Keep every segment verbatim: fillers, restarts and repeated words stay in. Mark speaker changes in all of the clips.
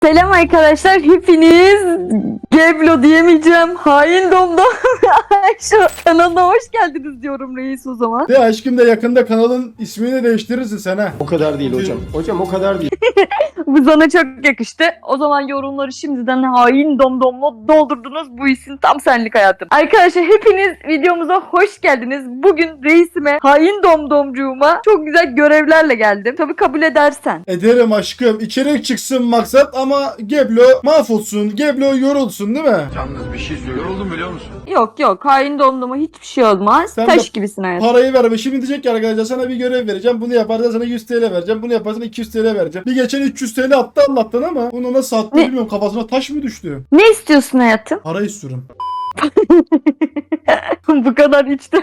Speaker 1: Selam arkadaşlar, hepiniz Geblo diyemeyeceğim. Hain Domdom şu kanalına hoş geldiniz diyorum reis o zaman.
Speaker 2: De aşkım da yakında kanalın ismini değiştirirsin sen ha.
Speaker 3: O kadar değil hocam. Hocam o kadar değil.
Speaker 1: Bu sana çok yakıştı. O zaman yorumları şimdiden Hain Domdom'la doldurdunuz. Bu isim tam senlik hayatım. Arkadaşlar hepiniz videomuza hoş geldiniz. Bugün reisime, Hain Domdomcuğuma çok güzel görevlerle geldim. Tabii kabul edersen.
Speaker 2: Ederim aşkım. İçerik çıksın maksat ama Geblo mahvolsun. Geblo yorulsun değil mi?
Speaker 4: Yalnız bir şey söylüyorum. Yoruldum biliyor musun?
Speaker 1: Yok yok, Hain Domdom'a hiçbir şey olmaz.
Speaker 2: Sen
Speaker 1: Taş
Speaker 2: de
Speaker 1: gibisin hayatım.
Speaker 2: Parayı verme. Şimdi diyecek ki arkadaşlar sana bir görev vereceğim. Bunu yaparsan sana yüz TL vereceğim. Bunu yaparsan iki yüz TL vereceğim. Bir geçen üç yüz TL attı Allah'tan ama bunu nasıl attı
Speaker 1: Ne?
Speaker 2: bilmiyorum. Kafasına taş mı düştü?
Speaker 1: Ne istiyorsun hayatım?
Speaker 2: Para istiyorum.
Speaker 1: Bu kadar içte.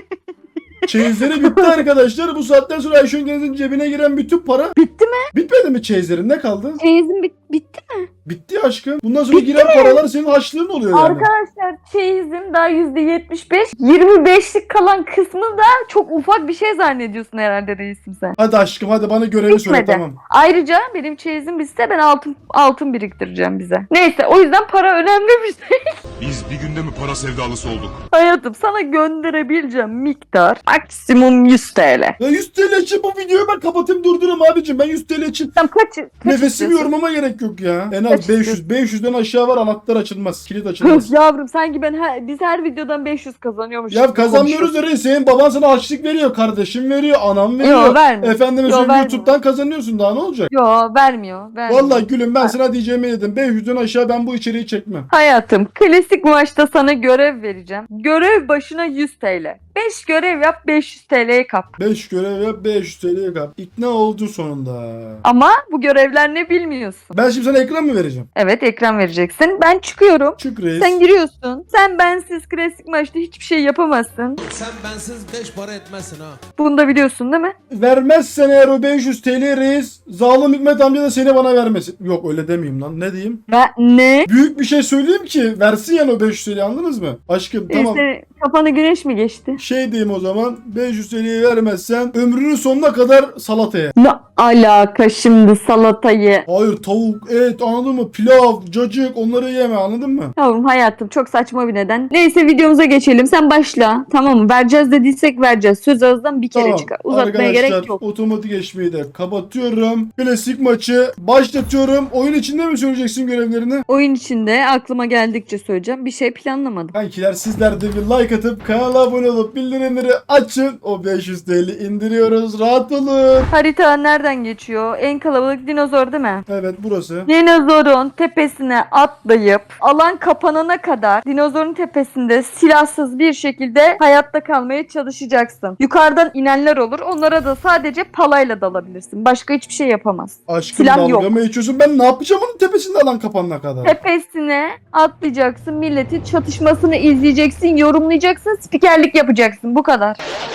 Speaker 2: Çeyizleri bitti arkadaşlar. Bu saatten sonra Ayşe Yengeniz'in cebine giren bütün para
Speaker 1: Bitti mi?
Speaker 2: bitmedi mi çeyizlerin? Ne kaldı?
Speaker 1: Çeyizin bit bitti.
Speaker 2: Bitti aşkım. Bundan sonra giren paralar senin harçlığın oluyor yani.
Speaker 1: Arkadaşlar çeyizim daha yüzde yetmiş beş. yirmi beşlik kalan kısmı da çok ufak bir şey zannediyorsun herhalde reisim sen.
Speaker 2: Hadi aşkım hadi bana görevi söyle
Speaker 1: Bitmedi.
Speaker 2: tamam.
Speaker 1: Ayrıca benim çeyizim bitse ben altın altın biriktireceğim bize. Neyse o yüzden para önemli bir şey.
Speaker 4: Biz bir günde mi para sevdalısı olduk?
Speaker 1: Hayatım sana gönderebileceğim miktar maksimum yüz T L.
Speaker 2: Ya yüz TL için bu videoyu ben kapatayım durdurum abicim. Ben yüz TL için
Speaker 1: Tam kaç, kaç
Speaker 2: nefesimi
Speaker 1: istiyorsun?
Speaker 2: yormama gerek yok ya. En
Speaker 1: Kaç
Speaker 2: az beş yüz. beş yüzden aşağı var anahtar açılmaz. Kilit açılmaz.
Speaker 1: Yavrum sanki ben her, biz her videodan beş yüz kazanıyormuş.
Speaker 2: Ya
Speaker 1: gibi
Speaker 2: kazanmıyoruz
Speaker 1: konuşuyorsun.
Speaker 2: öyle. Senin baban sana harçlık veriyor. Kardeşim veriyor. Anam veriyor.
Speaker 1: Yo vermiyor.
Speaker 2: Efendime
Speaker 1: Yo,
Speaker 2: söyleyeyim
Speaker 1: vermiyor.
Speaker 2: YouTube'dan kazanıyorsun daha ne olacak?
Speaker 1: Yo vermiyor. vermiyor.
Speaker 2: Vallahi gülüm ben sana diyeceğimi dedim. beş yüzden aşağı ben bu içeriği çekmem.
Speaker 1: Hayatım klasik maçta sana görev vereceğim. Görev başına yüz T L. beş görev yap beş yüz T L'ye kap.
Speaker 2: beş görev yap beş yüz TL'ye kap. İkna oldu sonunda.
Speaker 1: Ama bu görevler ne bilmiyorsun.
Speaker 2: Ben şimdi sana ekran mı vereceğim?
Speaker 1: Evet ekran vereceksin. Ben çıkıyorum.
Speaker 2: Çık reis.
Speaker 1: Sen giriyorsun. Sen bensiz klasik maçta hiçbir şey yapamazsın.
Speaker 5: Sen bensiz beş para etmezsin ha.
Speaker 1: Bunu da biliyorsun değil mi?
Speaker 2: Vermezsen eğer o beş yüz TL reis, zalim Hikmet amca da seni bana vermesin. Yok öyle demeyeyim lan. Ne diyeyim?
Speaker 1: Ve ne?
Speaker 2: Büyük bir şey söyleyeyim ki versin yani o beş yüz TL'yi anladınız mı? Aşkım tamam.
Speaker 1: İşte kafana güneş mi geçti?
Speaker 2: Şey diyeyim o zaman beş yüz TL'yi vermezsen ömrünün sonuna kadar salataya.
Speaker 1: Ne alaka şimdi salatayı?
Speaker 2: Hayır tavuk, et anladın mı? Pilav, cacık onları yeme anladın mı?
Speaker 1: Yavrum hayatım çok saçma bir neden. Neyse videomuza geçelim. Sen başla. Tamam mı? Vereceğiz dediysek vereceğiz. Söz ağızdan bir kere
Speaker 2: Tamam.
Speaker 1: çıkar. Uzatmaya
Speaker 2: Arkadaşlar,
Speaker 1: gerek yok.
Speaker 2: otomatik geçmeyi de kapatıyorum. Klasik maçı başlatıyorum. Oyun içinde mi söyleyeceksin görevlerini?
Speaker 1: Oyun içinde aklıma geldikçe söyleyeceğim. Bir şey planlamadım.
Speaker 2: Kankiler sizler de bir like atıp kanala abone olup bildirimleri açın. O beş yüz TL indiriyoruz. Rahat olun.
Speaker 1: Harita nereden geçiyor? En kalabalık dinozor değil mi?
Speaker 2: Evet burası.
Speaker 1: Dinozorun tepesine atlayıp alan kapanana kadar dinozorun tepesinde silahsız bir şekilde hayatta kalmaya çalışacaksın. Yukarıdan inenler olur. Onlara da sadece palayla dalabilirsin. Başka hiçbir şey yapamaz.
Speaker 2: Aşkım
Speaker 1: Silah
Speaker 2: dalga
Speaker 1: yok.
Speaker 2: mı geçiyorsun? Ben ne yapacağım onun tepesinde alan kapanana kadar?
Speaker 1: Tepesine atlayacaksın. Milletin çatışmasını izleyeceksin, yorumlayacaksın, spikerlik yapacaksın. Bu kadar.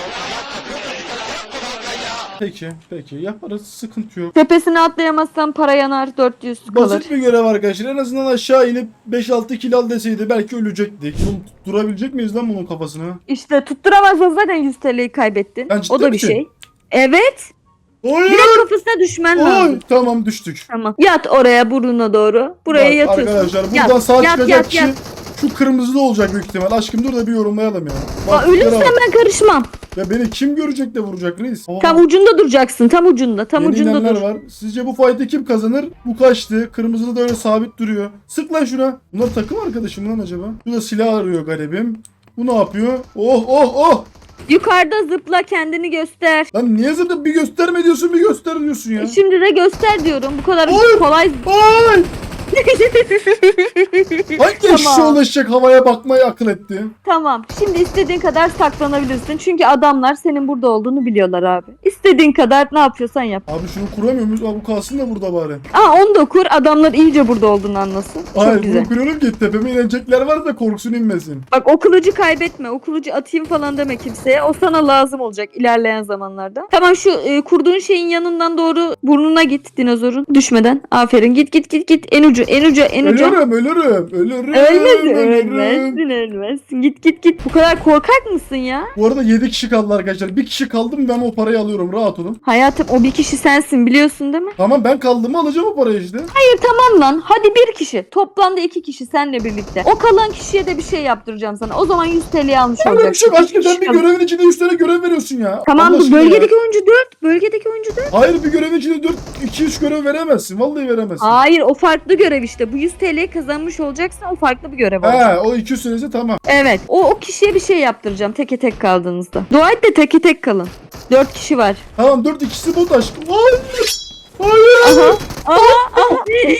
Speaker 2: Peki peki yaparız sıkıntı yok.
Speaker 1: Tepesine atlayamazsan para yanar, dört yüz kalır.
Speaker 2: Basit bir görev arkadaşlar. En azından aşağı inip beş altı kill al deseydi belki ölecektik. Bunu durabilecek miyiz lan bunun kafasını?
Speaker 1: İşte tutturamazsan zaten yüz T L'yi kaybettin.
Speaker 2: Ben ciddi
Speaker 1: O da bir
Speaker 2: misin?
Speaker 1: şey. Evet.
Speaker 2: Hayır.
Speaker 1: Direkt kafasına düşmen
Speaker 2: Ay,
Speaker 1: lazım.
Speaker 2: tamam düştük.
Speaker 1: Tamam. Yat oraya burnuna doğru. Buraya
Speaker 2: Bak,
Speaker 1: yatıyorsun.
Speaker 2: arkadaşlar buradan
Speaker 1: Yat,
Speaker 2: sağ
Speaker 1: yat,
Speaker 2: çıkacak
Speaker 1: yat,
Speaker 2: kişi
Speaker 1: yat.
Speaker 2: şu kırmızılı olacak büyük ihtimal. Aşkım dur da bir yorumlayalım ya.
Speaker 1: Aa,
Speaker 2: Bak,
Speaker 1: ölürsen
Speaker 2: yere bak.
Speaker 1: ben karışmam.
Speaker 2: Ya beni kim görecek de vuracak reis? Aa,
Speaker 1: Tam ucunda duracaksın. Tam ucunda. Tam
Speaker 2: yeni
Speaker 1: ucunda
Speaker 2: inenler
Speaker 1: dur.
Speaker 2: var. Sizce bu fight'ı kim kazanır? Bu kaçtı. Kırmızılı da öyle sabit duruyor. Sık lan şuna. Bunlar takım arkadaşım lan acaba? Bu da silah arıyor garibim. Bu ne yapıyor? Oh oh oh!
Speaker 1: Yukarıda zıpla, kendini göster.
Speaker 2: Lan niye zıplıp bir gösterme diyorsun bir göster diyorsun ya.
Speaker 1: E Şimdi de göster diyorum. Bu kadar
Speaker 2: Oy!
Speaker 1: kolay.
Speaker 2: Ay! Hangi
Speaker 1: Tamam.
Speaker 2: eşeğe ulaşacak havaya bakmayı akıl etti?
Speaker 1: Tamam. Şimdi istediğin kadar saklanabilirsin. Çünkü adamlar senin burada olduğunu biliyorlar abi. İstediğin kadar ne yapıyorsan yap.
Speaker 2: Abi şunu kuramıyor muyuz? Abi bu kalsın da burada bari.
Speaker 1: Aa onu da kur. Adamlar iyice burada olduğunu anlasın. Çok
Speaker 2: Hayır
Speaker 1: güzel.
Speaker 2: bunu kuruyorum ki tepeme inecekler var da korksun inmesin.
Speaker 1: Bak o kılıcı kaybetme. O kılıcı atayım falan deme kimseye. O sana lazım olacak ilerleyen zamanlarda. Tamam şu e, kurduğun şeyin yanından doğru burnuna git dinozorun. Düşmeden. Aferin. Git git git git. En ucu ucu, en ucu, en ucu.
Speaker 2: Ölürüm, ölürüm, ölürüm.
Speaker 1: Ölmezsin,
Speaker 2: ölürüm.
Speaker 1: ölmezsin, ölmezsin. Git git git. Bu kadar korkak mısın ya?
Speaker 2: Bu arada yedi kişi kaldı arkadaşlar. Bir kişi kaldı mı ben o parayı alıyorum. Rahat olun.
Speaker 1: Hayatım o bir kişi sensin biliyorsun değil mi?
Speaker 2: Tamam ben kaldım mı alacağım o parayı işte.
Speaker 1: Hayır tamam lan. Hadi bir kişi. Toplamda iki kişi seninle birlikte. O kalan kişiye de bir şey yaptıracağım sana. O zaman yüz T L'yi almış
Speaker 2: Öyle bir
Speaker 1: olacaksın.
Speaker 2: şey yok aşkım.
Speaker 1: İki
Speaker 2: Sen bir
Speaker 1: kişi kalın.
Speaker 2: görevin içinde üç tane görev veriyorsun ya.
Speaker 1: Tamam
Speaker 2: Allah
Speaker 1: bu
Speaker 2: aşkına ya.
Speaker 1: bölgedeki oyuncu dört. Bölgedeki oyuncu dört.
Speaker 2: Hayır bir görevin içinde dört, iki üç görev veremezsin. Vallahi veremezsin.
Speaker 1: Hayır o farklı görev işte. Bu yüz T L'yi kazanmış olacaksın. O farklı bir görev olacak.
Speaker 2: He o iki yüz senesi tamam.
Speaker 1: Evet. O, o kişiye bir şey yaptıracağım. Teke tek kaldığınızda. Dua et de teke tek kalın. Dört kişi var.
Speaker 2: Tamam dört ikisi bot aşkım. Hayır. Hayır.
Speaker 1: Aha. Aha. Aha.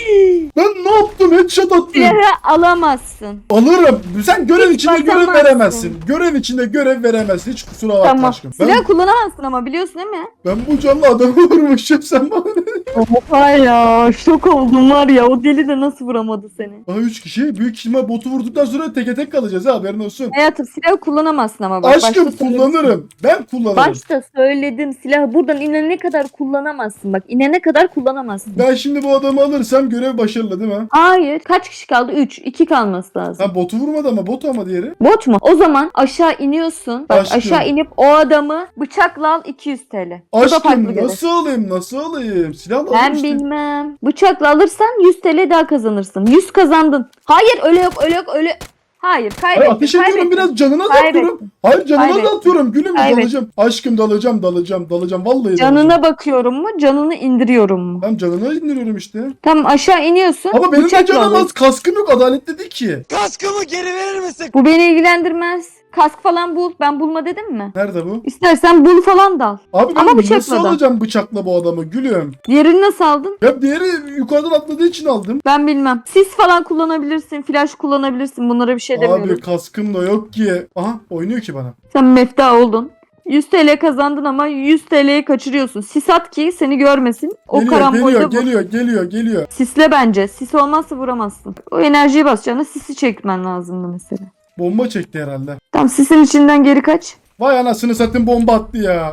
Speaker 2: Ben ne yaptım? Headshot attım.
Speaker 1: Silahı alamazsın.
Speaker 2: Alırım. Sen görev
Speaker 1: Hiç
Speaker 2: içinde görev
Speaker 1: bakamazsın.
Speaker 2: veremezsin. Görev içinde görev veremezsin. Hiç kusura bakma
Speaker 1: Tamam.
Speaker 2: aşkım. Ben,
Speaker 1: Silah kullanamazsın ama biliyorsun değil mi?
Speaker 2: ben bu canlı adamı vurmuşum sen bana ne?
Speaker 1: Oha ya. Şok oldum var ya. O deli de nasıl vuramadı seni?
Speaker 2: Aha üç kişi. Büyük ihtimal botu vurduktan sonra teke tek kalacağız ha haberin olsun.
Speaker 1: Hayatım silahı kullanamazsın ama bak.
Speaker 2: Aşkım
Speaker 1: başta söyledim.
Speaker 2: kullanırım. Ben kullanırım.
Speaker 1: Başta söyledim silahı buradan inene kadar kullanamazsın bak. İnene kadar kullanamazsın.
Speaker 2: Ben şimdi bu adamı alırsam görev başarılı değil mi?
Speaker 1: Hayır. Kaç kişi kaldı? üç. iki kalması lazım.
Speaker 2: Ha botu vurmadı ama bot ama diğeri.
Speaker 1: Bot mu? O zaman aşağı iniyorsun. Bak
Speaker 2: Aşkım.
Speaker 1: aşağı inip o adamı bıçakla al iki yüz T L. Bu da farklı
Speaker 2: Aşkım
Speaker 1: görev.
Speaker 2: nasıl alayım nasıl alayım? Silahla
Speaker 1: Ben
Speaker 2: alayım işte.
Speaker 1: bilmem. Bıçakla alırsan yüz T L daha kazanırsın. yüz kazandın. Hayır öyle yok öyle yok öyle. Hayır kaybettin.
Speaker 2: Hayır ateş ediyorum
Speaker 1: kaybettin.
Speaker 2: biraz canına da
Speaker 1: Kaybettin.
Speaker 2: atıyorum. Hayır canına
Speaker 1: Kaybettin.
Speaker 2: da atıyorum. Gülüm
Speaker 1: Kaybettin.
Speaker 2: dalacağım. Aşkım dalacağım dalacağım dalacağım. Vallahi dalacağım.
Speaker 1: Canına bakıyorum mu? Canını indiriyorum mu?
Speaker 2: Tamam canına indiriyorum işte.
Speaker 1: Tamam aşağı iniyorsun.
Speaker 2: Ama benim de
Speaker 1: bıçakla
Speaker 2: canım
Speaker 1: alıyorsun.
Speaker 2: az. Kaskım yok. Adaletli değil ki.
Speaker 5: Kaskımı geri verir misin?
Speaker 1: Bu beni ilgilendirmez. Kask falan bul. Ben bulma dedim mi?
Speaker 2: Nerede bu?
Speaker 1: İstersen bul falan dal.
Speaker 2: Abi ben
Speaker 1: Ama bıçakla
Speaker 2: nasıl
Speaker 1: da.
Speaker 2: alacağım bıçakla bu adamı gülüm?
Speaker 1: Diğerini nasıl aldın?
Speaker 2: Ya diğeri yukarıdan atladığı için aldım.
Speaker 1: Ben bilmem. Sis falan kullanabilirsin. Flash kullanabilirsin. Bunlara bir şey demiyorum.
Speaker 2: Abi kaskım da yok ki. Aha oynuyor ki bana.
Speaker 1: Sen mefta oldun. yüz T L kazandın ama yüz T L'yi kaçırıyorsun. Sis at ki seni görmesin. O
Speaker 2: Geliyor
Speaker 1: karambolde
Speaker 2: geliyor
Speaker 1: vur.
Speaker 2: geliyor geliyor geliyor.
Speaker 1: Sisle bence. Sis olmazsa vuramazsın. O enerjiyi basacağına sisi çekmen lazımdı mesela.
Speaker 2: Bomba çekti herhalde.
Speaker 1: Tamam sisin içinden geri kaç.
Speaker 2: Vay anasını satayım bomba attı ya.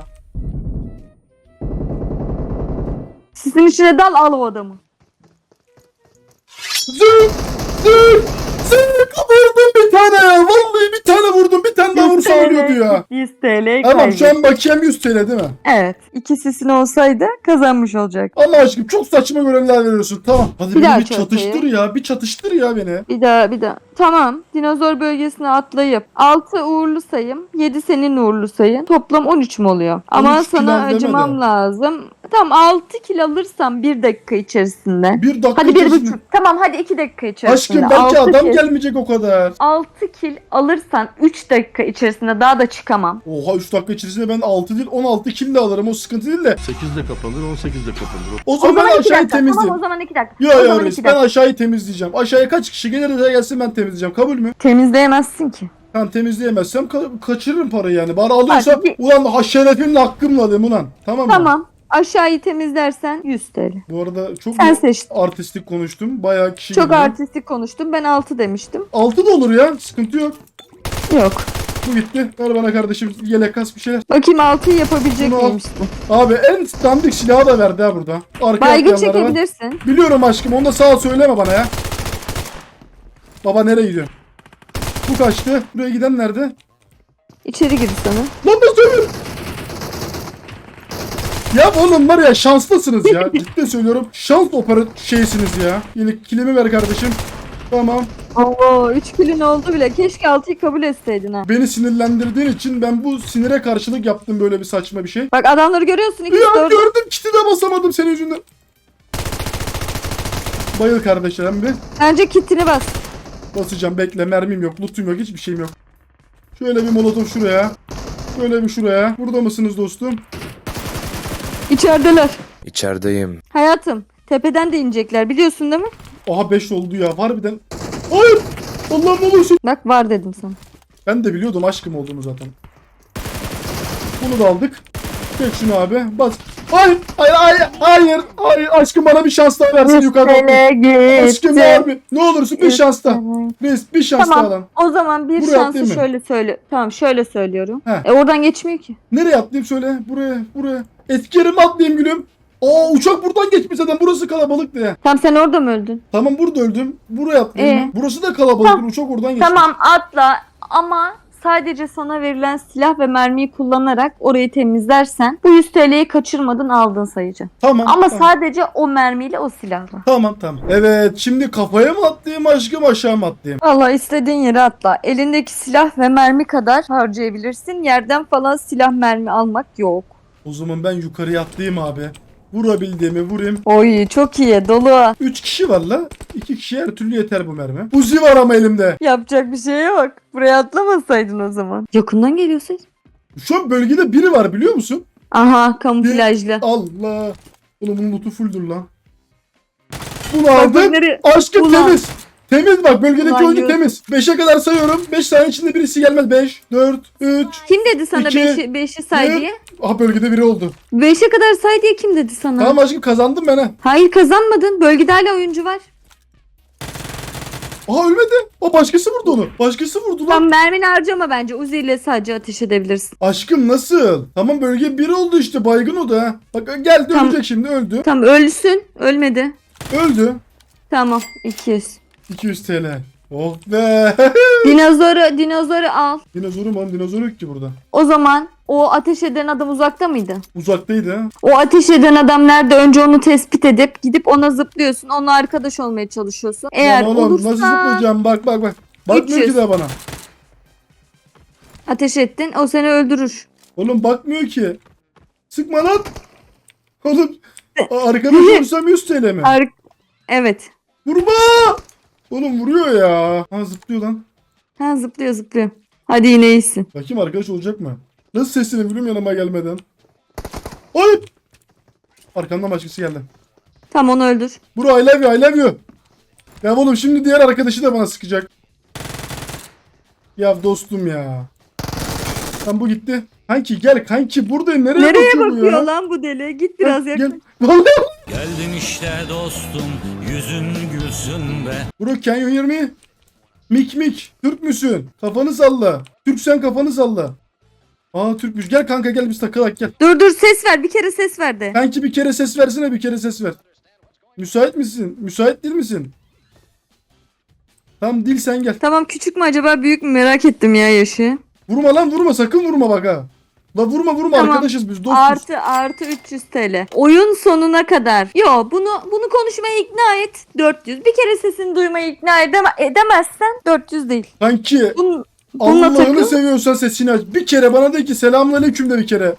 Speaker 1: Sisin içine dal al o adamı.
Speaker 2: Zık zık zık vurdum bir tane ya. Vallahi bir tane vurdum. Bir tane daha
Speaker 1: yüz
Speaker 2: vursa
Speaker 1: T L
Speaker 2: ölüyordu ya.
Speaker 1: yüz T L'yi
Speaker 2: Tamam
Speaker 1: kaybettin.
Speaker 2: şu an bakiyem yüz T L değil mi?
Speaker 1: Evet. İki sisin olsaydı kazanmış olacak.
Speaker 2: Allah aşkım çok saçma görevler veriyorsun. Tamam. Hadi
Speaker 1: Bir
Speaker 2: beni
Speaker 1: daha
Speaker 2: bir çatıştır
Speaker 1: çatayım.
Speaker 2: ya. Bir çatıştır ya beni.
Speaker 1: Bir daha bir daha. Tamam. Dinozor bölgesine atlayıp altı uğurlu sayım. yedi senin uğurlu sayın. Toplam on üç mü oluyor? Ama
Speaker 2: on üç
Speaker 1: sana
Speaker 2: kilo
Speaker 1: acımam
Speaker 2: demedi.
Speaker 1: lazım. Tamam altı kil alırsam bir dakika içerisinde.
Speaker 2: Bir dakika
Speaker 1: Hadi bir
Speaker 2: içerisinde-
Speaker 1: buçuk. Tamam hadi iki dakika içerisinde.
Speaker 2: Aşkım belki
Speaker 1: Altı
Speaker 2: adam
Speaker 1: kil-
Speaker 2: gelmeyecek o kadar.
Speaker 1: altı kil alırsan üç dakika içerisinde daha da çıkamam.
Speaker 2: Oha üç dakika içerisinde ben altı değil on altı kill de alırım. O sıkıntı değil de.
Speaker 4: sekizde kapanır, on sekizde kapanır.
Speaker 2: O
Speaker 1: O
Speaker 2: zaman,
Speaker 1: zaman iki
Speaker 2: aşağıyı
Speaker 1: dakika.
Speaker 2: temizleyeyim.
Speaker 1: Tamam o zaman iki dakika.
Speaker 2: Yok
Speaker 1: o
Speaker 2: yok
Speaker 1: zaman
Speaker 2: reis
Speaker 1: iki
Speaker 2: ben
Speaker 1: dakika.
Speaker 2: aşağıyı temizleyeceğim. Aşağıya kaç kişi gelirse gelsin ben temizleyeceğim. Kabul mü?
Speaker 1: Temizleyemezsin ki.
Speaker 2: Tamam temizleyemezsem ka- kaçırırım parayı yani. Bari alıyorsam
Speaker 1: Hadi.
Speaker 2: ulan ha şerefimle hakkımla alayım ulan. Tamam mı?
Speaker 1: Tamam. Aşağıyı temizlersen yüz T L.
Speaker 2: Bu arada çok
Speaker 1: Sen seçtin.
Speaker 2: artistik konuştum. Bayağı kişi
Speaker 1: Çok
Speaker 2: girdi.
Speaker 1: artistik konuştum. Ben altı demiştim.
Speaker 2: altı da olur ya. Sıkıntı yok.
Speaker 1: Yok.
Speaker 2: Bu gitti. Ver bana kardeşim yelek kas bir şeyler.
Speaker 1: Bakayım altıyı yapabilecek
Speaker 2: Bunu al.
Speaker 1: miymişsin?
Speaker 2: Abi en dandik silahı da verdi ha burada. Arkaya
Speaker 1: Baygın
Speaker 2: atlayanlara var.
Speaker 1: çekebilirsin.
Speaker 2: Biliyorum aşkım onu da sağ ol söyleme bana ya. Baba nereye gidiyor? Bu kaçtı. Buraya giden nerede?
Speaker 1: İçeri gir sana.
Speaker 2: Lan da söylüyorum. Ya oğlum var ya şanslısınız ya. Ciddi söylüyorum. Şans opera şeysiniz ya. Yine kilimi ver kardeşim. Tamam.
Speaker 1: Oo üç kilin oldu bile. Keşke altıyı kabul etseydin ha.
Speaker 2: Beni sinirlendirdiğin için ben bu sinire karşılık yaptım böyle bir saçma bir şey.
Speaker 1: Bak adamları görüyorsun. İkisi
Speaker 2: Ya
Speaker 1: de orada.
Speaker 2: gördüm kiti de basamadım senin yüzünden. Bayıl kardeşlerim bir.
Speaker 1: Bence kitini bas.
Speaker 2: Basacağım bekle mermim yok lootum yok hiçbir şeyim yok. Şöyle bir molotof şuraya. Şöyle bir şuraya. Burada mısınız dostum?
Speaker 1: İçerideler.
Speaker 6: İçerideyim.
Speaker 1: Hayatım. Tepeden de inecekler. Biliyorsun değil mi?
Speaker 2: Aha beş oldu ya harbiden. Hayır. Allah'ım ne olursun.
Speaker 1: Bak var dedim sana.
Speaker 2: Ben de biliyordum aşkım olduğunu zaten. Bunu da aldık. Çek şunu abi. Bas. Hayır. Hayır. Hayır. Hayır. Hayır. Aşkım bana bir şans daha versin yukarıdan. Aşkım abi. Ne olursun bir şans daha. Reis bir şans daha
Speaker 1: Tamam.
Speaker 2: lan.
Speaker 1: O zaman bir
Speaker 2: Buraya
Speaker 1: şansı
Speaker 2: atlayayım mı?
Speaker 1: şöyle söyle. Tamam şöyle söylüyorum.
Speaker 2: He.
Speaker 1: E oradan geçmiyor ki.
Speaker 2: Nereye atlayayım söyle. Buraya. Buraya. Etki yerime atlayayım gülüm. Aa uçak buradan geçmiş zaten, burası kalabalık diye.
Speaker 1: Tam sen orada mı öldün?
Speaker 2: Tamam burada öldüm. Buraya atlayayım
Speaker 1: Ee?
Speaker 2: ben. Burası da kalabalık. Uçak oradan geçmiş.
Speaker 1: Tamam atla ama sadece sana verilen silah ve mermiyi kullanarak orayı temizlersen bu yüz T L'yi kaçırmadın, aldın sayıcı.
Speaker 2: Tamam.
Speaker 1: Ama
Speaker 2: tamam.
Speaker 1: sadece o mermiyle, o silahla.
Speaker 2: Tamam tamam. Evet şimdi kafaya mı atlayayım aşkım, aşağı mı atlayayım?
Speaker 1: Valla istediğin yere atla. Elindeki silah ve mermi kadar harcayabilirsin. Yerden falan silah mermi almak yok.
Speaker 2: O zaman ben yukarıya atlayayım abi. Vurabildiğimi vurayım.
Speaker 1: Oy çok iyi, dolu.
Speaker 2: üç kişi var la. iki kişi her türlü yeter bu mermi. Uzi var ama elimde.
Speaker 1: Yapacak bir şey yok. Buraya atlamasaydın o zaman. Yakından geliyorsun.
Speaker 2: Şu an bölgede biri var biliyor musun?
Speaker 1: Aha, kamuflajlı.
Speaker 2: Allah. Oğlum bunun lootu fulldür lan. Bunu
Speaker 1: Bak, bak
Speaker 2: aldım.
Speaker 1: nereye-
Speaker 2: Aşkım
Speaker 1: Ulan.
Speaker 2: temiz. Temiz bak, bölgedeki
Speaker 1: Ulan
Speaker 2: oyuncu
Speaker 1: yürü.
Speaker 2: temiz. beşe kadar sayıyorum. beş saniye içinde birisi gelmez. beş, dört, üç.
Speaker 1: Kim dedi sana
Speaker 2: İki,
Speaker 1: beşi, beşi say
Speaker 2: bir.
Speaker 1: diye?
Speaker 2: Aha bölgede biri oldu.
Speaker 1: beşe kadar say diye kim dedi sana?
Speaker 2: Tamam aşkım kazandım ben ha.
Speaker 1: Hayır, kazanmadın. Bölgede hala oyuncu var.
Speaker 2: Aha ölmedi. O başkası vurdu onu. Başkası vurdu lan.
Speaker 1: Tam mermini harcama bence. Uzi ile sadece ateş edebilirsin.
Speaker 2: Aşkım nasıl? Tamam bölge bir oldu işte, baygın o da ha. Bak geldi
Speaker 1: Tamam.
Speaker 2: ölecek şimdi, öldü.
Speaker 1: Tamam, ölsün. Ölmedi.
Speaker 2: Öldü.
Speaker 1: Tamam, iki yüz.
Speaker 2: iki yüz T L. Oh be.
Speaker 1: Dinozoru, dinozoru al.
Speaker 2: Dinozoru mu? Dinozor yok ki burada.
Speaker 1: O zaman o ateş eden adam uzakta mıydı?
Speaker 2: Uzaktaydı ha.
Speaker 1: O ateş eden adam nerede? Önce onu tespit edip gidip ona zıplıyorsun. Onunla arkadaş olmaya çalışıyorsun. Eğer
Speaker 2: Lan oğlum
Speaker 1: olursa
Speaker 2: nasıl zıplayacağım, bak bak bak. Bakmıyor
Speaker 1: üç yüz.
Speaker 2: ki de bana.
Speaker 1: ateş ettin. O seni öldürür.
Speaker 2: Oğlum bakmıyor ki. Sıkma lan. Oğlum a- arkadaş olursam yüz T L mi?
Speaker 1: Ar- evet.
Speaker 2: Vurma. Oğlum vuruyor ya. Ha zıplıyor lan.
Speaker 1: Ha, zıplıyor zıplıyor. Hadi yine iyisin.
Speaker 2: Bakayım arkadaş olacak mı? Nasıl sesini vuruyorum yanıma gelmeden. Ay. Arkamdan başkası geldi.
Speaker 1: Tam onu öldür.
Speaker 2: Bro I love you, I love you. Ya oğlum şimdi diğer arkadaşı da bana sıkacak. Ya dostum ya. Tam bu gitti. Kanki gel kanki, buradayım. Nereye,
Speaker 1: Nereye
Speaker 2: bakıyor bu
Speaker 1: bakıyor
Speaker 2: ya?
Speaker 1: lan bu deli? Git biraz
Speaker 2: Gel.
Speaker 1: yaklaş.
Speaker 2: Vallahi.
Speaker 5: Geldin işte dostum, yüzün gülsün be.
Speaker 2: Bro can you hear me? Mik mik. Türk müsün? Kafanı salla. Türksen kafanı salla. Aa Türkmüş. Gel kanka gel biz takılak gel.
Speaker 1: Dur dur, ses ver. Bir kere ses ver de.
Speaker 2: Kanki bir kere ses versene, bir kere ses ver. Müsait misin? Müsait değil misin? Tamam dil sen gel.
Speaker 1: Tamam, küçük mü acaba büyük mü, merak ettim ya yaşı.
Speaker 2: Vurma lan vurma, sakın vurma bak ha. La vurma vurma,
Speaker 1: Tamam.
Speaker 2: arkadaşız biz, dostuz.
Speaker 1: Artı artı üç yüz T L. Oyun sonuna kadar. Yo, bunu bunu konuşmaya ikna et. dört yüz. Bir kere sesini duymaya ikna edeme, edemezsen dört yüz değil.
Speaker 2: Kanki
Speaker 1: Bun, bununla
Speaker 2: Allah'ını
Speaker 1: takıl.
Speaker 2: seviyorsan sesini aç. Bir kere bana de ki selamünaleyküm de bir kere.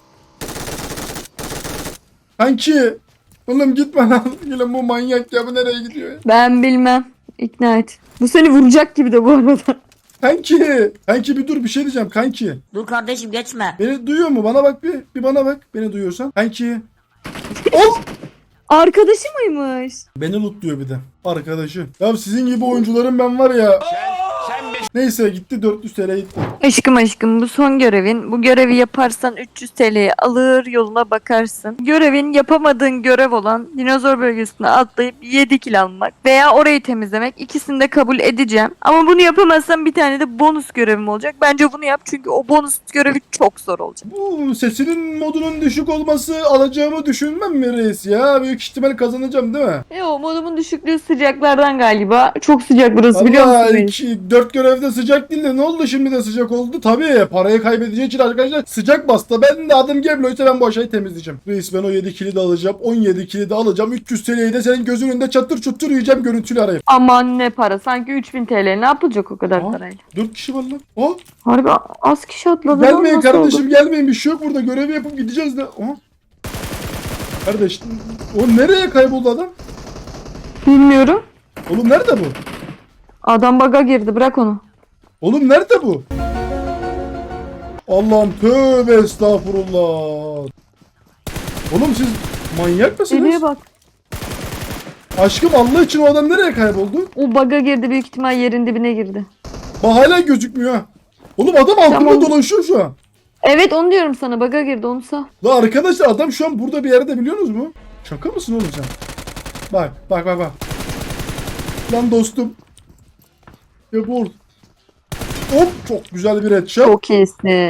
Speaker 2: Kanki. Oğlum gitme lan. Yine bu manyak ya, bu nereye gidiyor ya?
Speaker 1: Ben bilmem. İkna et. Bu seni vuracak gibi de bu arada.
Speaker 2: Kanki. Kanki bir dur, bir şey diyeceğim kanki.
Speaker 6: Dur kardeşim geçme.
Speaker 2: Beni duyuyor mu? Bana bak bir. Bir bana bak. Beni duyuyorsan. Kanki. Ol.
Speaker 1: Arkadaşı mıymış?
Speaker 2: Beni lootluyor bir de. Arkadaşı. Ya sizin gibi oyuncuların ben var ya. Neyse gitti, dört yüz T L gitti.
Speaker 1: Aşkım aşkım, bu son görevin. Bu görevi yaparsan üç yüz T L'yi alır, yoluna bakarsın. Görevin yapamadığın görev olan dinozor bölgesine atlayıp yedi kill almak veya orayı temizlemek, ikisini de kabul edeceğim. Ama bunu yapamazsan bir tane de bonus görevim olacak. Bence bunu yap çünkü o bonus görevi çok zor olacak.
Speaker 2: Bu sesinin modunun düşük olması alacağımı düşünmem mi reis ya? Büyük ihtimal kazanacağım değil mi?
Speaker 1: E o modumun düşüklüğü sıcaklardan galiba. Çok sıcak burası, biliyor
Speaker 2: Allah
Speaker 1: musun?
Speaker 2: iki, dört görevde sıcak değil de ne oldu şimdi de sıcak oldu? Tabii parayı kaybedeceği için arkadaşlar sıcak bastı. Ben de adım Geblo ise ben bu aşağıyı temizleyeceğim. Reis ben o yedi kili de alacağım. on yedi kili de alacağım. üç yüz T L'yi de senin gözünün önünde çatır çutur yiyeceğim, görüntülü arayıp.
Speaker 1: Aman ne para. Sanki üç bin T L ne yapılacak o kadar
Speaker 2: Aa.
Speaker 1: parayla?
Speaker 2: dört kişi var lan. Oh,
Speaker 1: Harbi az kişi atladı. lan,
Speaker 2: gelmeyin
Speaker 1: nasıl
Speaker 2: kardeşim
Speaker 1: oldu?
Speaker 2: gelmeyin, bir şey yok burada, görevi yapıp gideceğiz de. Oh. Kardeş o nereye kayboldu adam?
Speaker 1: Bilmiyorum.
Speaker 2: Oğlum nerede bu?
Speaker 1: Adam baga girdi, bırak onu.
Speaker 2: Oğlum nerede bu? Allah'ım tövbe estağfurullah. Oğlum siz manyak mısınız?
Speaker 1: Deliye bak.
Speaker 2: Aşkım Allah için o adam nereye kayboldu?
Speaker 1: O baga girdi, büyük ihtimal yerin dibine girdi.
Speaker 2: Bak hala gözükmüyor ha. Oğlum adam altında
Speaker 1: Tamam.
Speaker 2: dolaşıyor şu an.
Speaker 1: Evet onu diyorum sana, baga girdi, onu sağ.
Speaker 2: La arkadaşlar adam şu an burada bir yerde, biliyor musunuz mu? Şaka mısın oğlum sen? Bak bak bak bak. Lan dostum. Ya bu. Hop çok güzel bir headshot.
Speaker 1: Çok iyisin.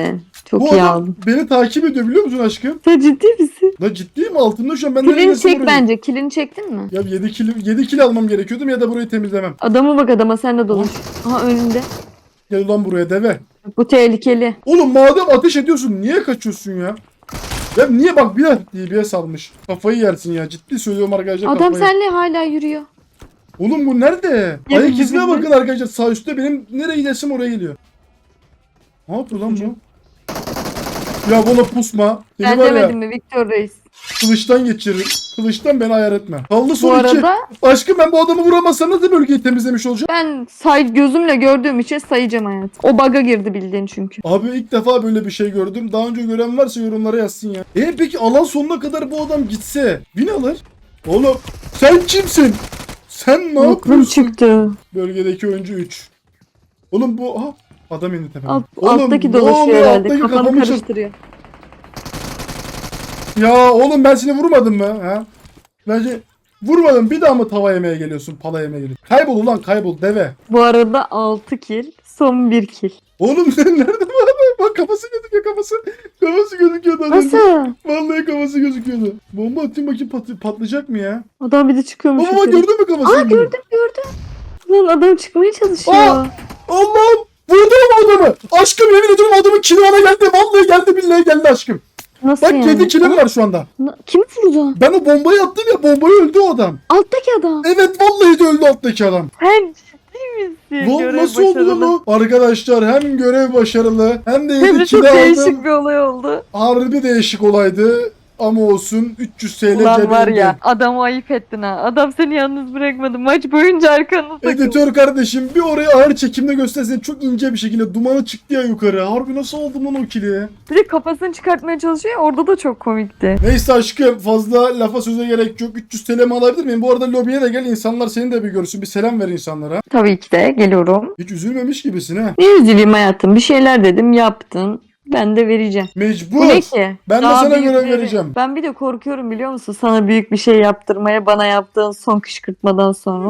Speaker 1: Çok
Speaker 2: Bu
Speaker 1: iyi
Speaker 2: adam
Speaker 1: aldın.
Speaker 2: beni takip ediyor biliyor musun aşkım?
Speaker 1: Sen ciddi misin?
Speaker 2: La ciddiyim altında şu an ben nereye
Speaker 1: Kilini
Speaker 2: gitsem
Speaker 1: çek
Speaker 2: oraya-
Speaker 1: bence. Kilini çektin mi?
Speaker 2: Ya yedi kilo, yedi kilo almam gerekiyordum ya da burayı temizlemem.
Speaker 1: Adama bak adama sen de dolaş. Aha önünde.
Speaker 2: Gel ulan buraya deve.
Speaker 1: Bu tehlikeli.
Speaker 2: Oğlum madem ateş ediyorsun niye kaçıyorsun ya? Ya niye bak bir de D B S almış. Kafayı yersin ya ciddi söylüyorum arkadaşlar
Speaker 1: Adam
Speaker 2: kafayı.
Speaker 1: seninle hala yürüyor.
Speaker 2: Oğlum bu nerede?
Speaker 1: Ya
Speaker 2: Ayak
Speaker 1: bizim
Speaker 2: izine
Speaker 1: de-
Speaker 2: bakın arkadaşlar sağ üstte benim nereye gidersem oraya geliyor. Ne yapıyor lan bu? Ya bana pusma. Seni
Speaker 1: Ben
Speaker 2: var ya
Speaker 1: demedim mi Victor Reis?
Speaker 2: kılıçtan geçiririm. Kılıçtan beni ayar etme. Kaldı
Speaker 1: Bu
Speaker 2: son iki.
Speaker 1: arada
Speaker 2: Aşkım ben bu adamı vuramazsam nasıl bölgeyi temizlemiş olacağım?
Speaker 1: ben say gözümle gördüğüm için sayacağım hayat. O bug'a girdi bildiğin çünkü.
Speaker 2: Abi ilk defa böyle bir şey gördüm. Daha önce gören varsa yorumlara yazsın ya. E peki alan sonuna kadar bu adam gitse bin alır. Oğlum sen kimsin? Sen ne
Speaker 1: Aklım
Speaker 2: yapıyorsun?
Speaker 1: çıktı.
Speaker 2: Bölgedeki oyuncu üç. Oğlum bu aha adam indi tepeme.
Speaker 1: Alt,
Speaker 2: Oğlum,
Speaker 1: alttaki
Speaker 2: ne
Speaker 1: dolaşıyor
Speaker 2: oluyor?
Speaker 1: herhalde.
Speaker 2: Alttaki
Speaker 1: Kafanı
Speaker 2: kafamı çar-
Speaker 1: karıştırıyor.
Speaker 2: Ya oğlum ben seni vurmadım mı? Ha? Bence vurmadım bir daha mı tava yemeye geliyorsun? Pala yemeye geliyorsun. Kaybol ulan kaybol deve.
Speaker 1: Bu arada altı kill. Son bir kill.
Speaker 2: Oğlum sen nerede bu adam? Bak kafası gözüküyor kafası. Kafası gözüküyordu az önce.
Speaker 1: Nasıl?
Speaker 2: Vallahi kafası gözüküyordu. Bomba atayım bakayım pat- patlayacak mı ya?
Speaker 1: Adam bir de çıkıyormuş.
Speaker 2: Baba bak
Speaker 1: yukarı.
Speaker 2: gördün mü kafasını?
Speaker 1: Aa gördüm gördüm. Lan adam çıkmaya çalışıyor.
Speaker 2: Aa! Allah'ım! Vurdum adamı! Aşkım yemin ediyorum adamın kili bana geldi. Vallahi geldi billahi geldi aşkım.
Speaker 1: Nasıl
Speaker 2: Bak
Speaker 1: yani?
Speaker 2: yedi kilim var şu anda.
Speaker 1: Na- Kim vurdu?
Speaker 2: Ben o bombayı attım ya bombayı öldü o adam.
Speaker 1: Alttaki adam.
Speaker 2: Evet vallahi de öldü alttaki adam.
Speaker 1: Sen ciddi misin?
Speaker 2: Lan
Speaker 1: Görev
Speaker 2: nasıl oldu lan
Speaker 1: başarılı.
Speaker 2: o? Arkadaşlar hem görev başarılı hem de
Speaker 1: Hem
Speaker 2: yedi
Speaker 1: de çok
Speaker 2: kili
Speaker 1: değişik
Speaker 2: aldım.
Speaker 1: bir olay oldu.
Speaker 2: Harbi değişik olaydı. Ama olsun üç yüz T L
Speaker 1: Ulan var
Speaker 2: cebimde.
Speaker 1: ya adamı ayıp ettin ha. Adam seni yalnız bırakmadı. Maç boyunca arkanı takıldı.
Speaker 2: Editör kardeşim bir orayı ağır çekimde göstersen çok ince bir şekilde dumanı çıktı ya yukarı. Harbi nasıl oldu lan o kili?
Speaker 1: Bir de kafasını çıkartmaya çalışıyor. Orada da çok komikti.
Speaker 2: Neyse aşkım fazla lafa söze gerek yok. üç yüz T L mi alabilir miyim? Bu arada lobiye de gel insanlar seni de bir görsün. Bir selam ver insanlara.
Speaker 1: Tabii ki de geliyorum.
Speaker 2: Hiç üzülmemiş gibisin ha.
Speaker 1: Ne üzüleyim hayatım. Bir şeyler dedim yaptın. Ben de vereceğim.
Speaker 2: Mecbur.
Speaker 1: Bu ne ki?
Speaker 2: Ben de
Speaker 1: Daha
Speaker 2: sana görev
Speaker 1: büyükleri-
Speaker 2: vereceğim.
Speaker 1: Ben bir de korkuyorum biliyor musun? Sana büyük bir şey yaptırmaya bana yaptığın son kışkırtmadan sonra.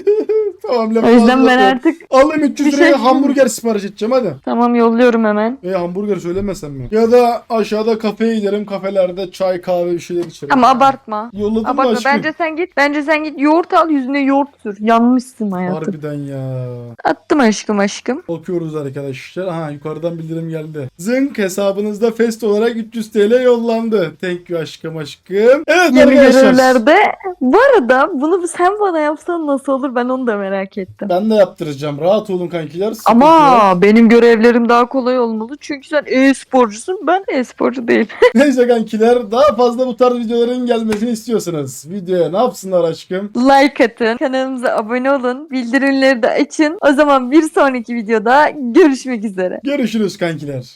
Speaker 2: Tamam
Speaker 1: O
Speaker 2: lafı
Speaker 1: yüzden
Speaker 2: fazla
Speaker 1: ben
Speaker 2: yok.
Speaker 1: artık
Speaker 2: Alayım üç yüz
Speaker 1: bir
Speaker 2: liraya
Speaker 1: şey-
Speaker 2: hamburger sipariş edeceğim hadi.
Speaker 1: tamam yolluyorum hemen.
Speaker 2: E hamburger söylemesem mi? Ya da aşağıda kafeye giderim. Kafelerde çay kahve bir şeyler içerim.
Speaker 1: Ama abartma.
Speaker 2: Yolladım mı
Speaker 1: Abartma.
Speaker 2: aşkım?
Speaker 1: Bence sen git. Bence sen git. Yoğurt al yüzüne yoğurt sür. Yanmışsın hayatım.
Speaker 2: Harbiden ya.
Speaker 1: Attım aşkım aşkım.
Speaker 2: Bakıyoruz arkadaşlar. Aha yukarıdan bildirim geldi. Zınk hesabınızda fest olarak üç yüz T L yollandı. Thank you aşkım aşkım. Evet
Speaker 1: Yeni
Speaker 2: arkadaşlar.
Speaker 1: görevlerde. Bu arada bunu sen bana yapsan nasıl olur ben onu da merak ettim.
Speaker 2: Ben de yaptıracağım. Rahat olun kankiler. sıkıntı yok.
Speaker 1: Ama benim görevlerim daha kolay olmalı. Çünkü sen e-sporcusun ben e-sporcu değilim.
Speaker 2: Neyse kankiler daha fazla bu tarz videoların gelmesini istiyorsanız videoya ne yapsınlar aşkım?
Speaker 1: Like atın. Kanalımıza abone olun. Bildirimleri de açın. O zaman bir sonraki videoda görüşmek üzere.
Speaker 2: Görüşürüz kankiler.